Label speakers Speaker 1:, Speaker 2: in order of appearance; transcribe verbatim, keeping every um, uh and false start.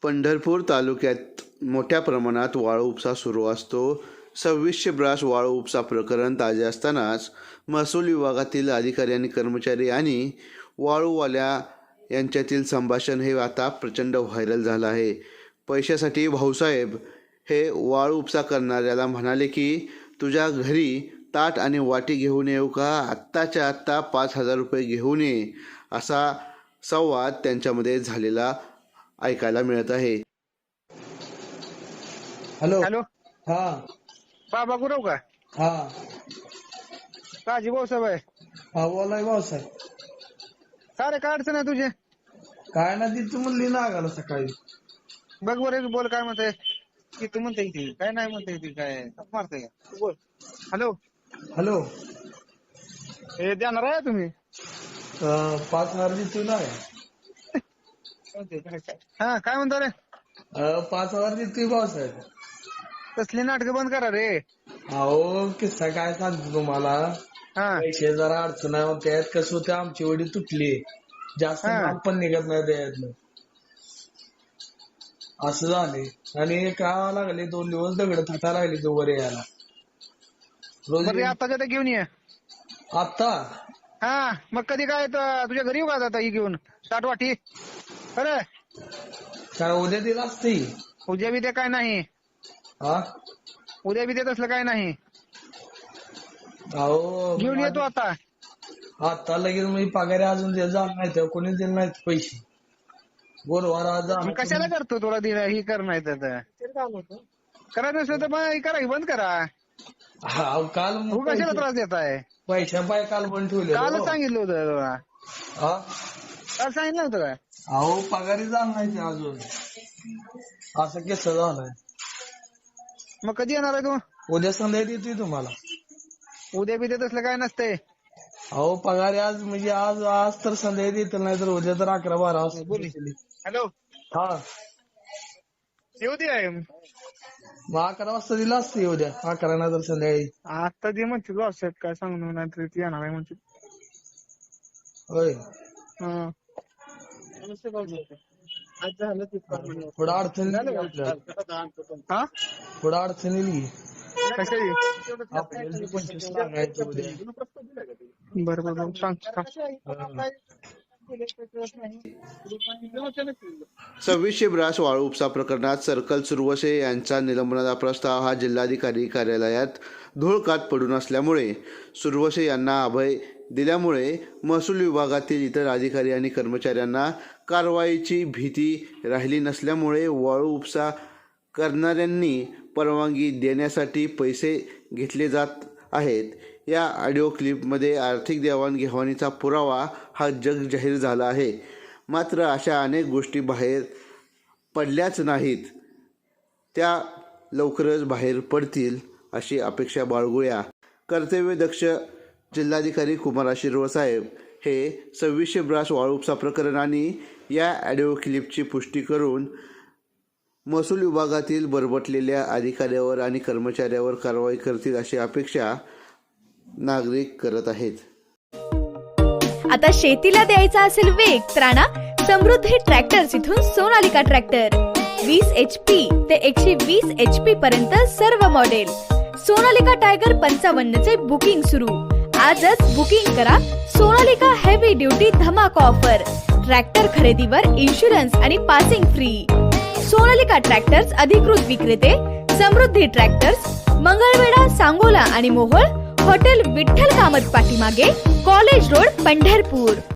Speaker 1: पंढरपूर तालुक्यात मोठ्या प्रमाणात वाळू उपसा सुरू असतो. सव्वीसशे ब्रास वाळू उपसा प्रकरण ताजे असतानाच महसूल विभागातील अधिकारी आणि कर्मचारी आणि वाळूवाल्या यांच्यातील संभाषण हे आता प्रचंड व्हायरल झालं आहे. पैशासाठी भाऊसाहेब हे वाळू उपसा करणाऱ्याला म्हणाले की तुझ्या घरी ताट आणि वाटी घेऊन येऊ का, आत्ताच्या आत्ता पाच हजार रुपये घेऊन ये, असा संवाद त्यांच्यामध्ये झालेला ऐकायला मिळत आहे.
Speaker 2: हॅलो
Speaker 3: हॅलो
Speaker 2: हा
Speaker 3: बाबा गुरव का
Speaker 2: हा
Speaker 3: काजी भाऊसाहेब आहे.
Speaker 2: हा बोलाय भाऊसाहेब.
Speaker 3: का रे काय अडचण आहे तुझे?
Speaker 2: काय ना ती तू म्हणली ना आगाला सकाळी.
Speaker 3: बघ बरं बोल काय म्हणते की तू म्हणते ती काय नाही म्हणते ती काय मारते का तू बोल. हॅलो
Speaker 2: हॅलो
Speaker 3: हे देणार आहे तुम्ही
Speaker 2: अं, पाच हजार देतोय ना.
Speaker 3: हा काय म्हणतो रे?
Speaker 2: अं, पाच हजार देतोय भाऊसाहेब.
Speaker 3: तसली नाटकं बंद करा रे.
Speaker 2: अहो किस्सा काय सांगतो तुम्हाला.
Speaker 3: हा
Speaker 2: पैसे जरा अडचण आहे मग त्यात कसं होते आमची वडी तुटली, जास्त
Speaker 3: हा.
Speaker 2: माल पण निघत नाही त्यातलं, असं झाले. आणि का लागले दोन दिवस दगड थाटा लागले तो वर यायला रोज.
Speaker 3: बरं आता ते घेऊन ये.
Speaker 2: आता
Speaker 3: हा मग कधी काय त- तुझ्या घरी येऊ का आता ही घेऊन साठ वाटी? अरे
Speaker 2: काय उद्या दिला असते.
Speaker 3: उद्या बी ते काय नाही,
Speaker 2: हा
Speaker 3: उद्या बी ते तसलं काय नाही.
Speaker 2: अहो
Speaker 3: घेऊन येतो आता.
Speaker 2: आता लगेच मी पगारी अजून दे जाणार नाही तेव्हा कोणी दिले नाहीत पैसे. गुरुवार आज
Speaker 3: मग कशाला करतो तुला दिला ही कर नाही तर करायचं नसलं तर मग करा ही बंद करा.
Speaker 2: हा काल
Speaker 3: तू कशाला त्रास देत आहे?
Speaker 2: पैशा पाय काल पण ठेवले.
Speaker 3: कालच सांगितलं होतं तुला.
Speaker 2: हा
Speaker 3: काल सांगितलं होतं काय?
Speaker 2: अहो पगारी जाणार नाही ते अजून, असं कसं झालंय.
Speaker 3: मग कधी येणार आहे तू?
Speaker 2: उद्या संध्याकाळी येतोय तुम्हाला.
Speaker 3: उद्या बी देत असलं काय नसतंय.
Speaker 2: अहो पगारी आज म्हणजे आज आज तर संध्याकाळी येतील नाही तर उद्या तर अकरा बारा वाजता
Speaker 3: बोली. हॅलो
Speaker 2: हा
Speaker 3: येऊ दे.
Speaker 2: मग अकरा वाजता दिला असते उद्या, अकरा नाही तर संध्याकाळी.
Speaker 3: आता जे म्हणते लॉसेट काय सांगू नाही तरी ती येणार आहे म्हणते.
Speaker 2: होय
Speaker 3: हा आज झालं ते
Speaker 2: थोडं अडचण येईल आपल्याला.
Speaker 3: हा
Speaker 2: थोडं अडचण येईल की.
Speaker 3: कशाची?
Speaker 2: आपल्याला पंचवीस लागायचं उद्या.
Speaker 3: बरं बरं सांग
Speaker 2: हा.
Speaker 1: सव्वीसशे ब्रास वाळू उपसा प्रकरणात सर्कल सुरवसे यांचा निलंबनाचा प्रस्ताव हा जिल्हाधिकारी कार्यालयात धुळकात पडून असल्यामुळे सुरवसे यांना अभय दिल्यामुळे महसूल विभागातील इतर अधिकारी आणि कर्मचाऱ्यांना कारवाईची भीती राहिली नसल्यामुळे वाळू उपसा करणाऱ्यांनी परवानगी देण्यासाठी पैसे घेतले जात आहेत. या ऑडिओ क्लिपमध्ये आर्थिक देवाणघेवाणीचा पुरावा हा जग जाहीर झाला आहे. मात्र अशा अनेक गोष्टी बाहेर पडल्याच नाहीत, त्या लवकरच बाहेर पडतील अशी अपेक्षा बाळगूया. कर्तव्यदक्ष जिल्हाधिकारी कुमार आशीर्वाद साहेब हे सव्वीसशे ब्रास वाळू उपसा प्रकरण आणि या ऑडिओ क्लिपची पुष्टी करून महसूल विभागातील बरबटलेल्या अधिकाऱ्यावर आणि कर्मचाऱ्यावर कारवाई करतील अशी अपेक्षा नागरिक करत आहेत.
Speaker 4: आता शेतीला द्यायचा असेल वेग तर आणा समृद्धी ट्रॅक्टर्स इथून सोनालिका ट्रॅक्टर. वीस एच पी ते एकशे वीस एच पी पर्यंत सर्व मॉडेल. सोनालिका टायगर पंचावन्न चे बुकिंग सुरू. आजच बुकिंग करा. सोनालिका हेवी ड्युटी धमाका ऑफर. ट्रॅक्टर खरेदीवर इन्शुरन्स आणि पासिंग फ्री. सोनालिका ट्रॅक्टर्स अधिकृत विक्रेते समृद्धी ट्रॅक्टर्स, मंगळवेढा, सांगोला आणि मोहोळ. हॉटेल विठ्ठल कामत पाठीमागे, कॉलेज रोड, पंढरपूर.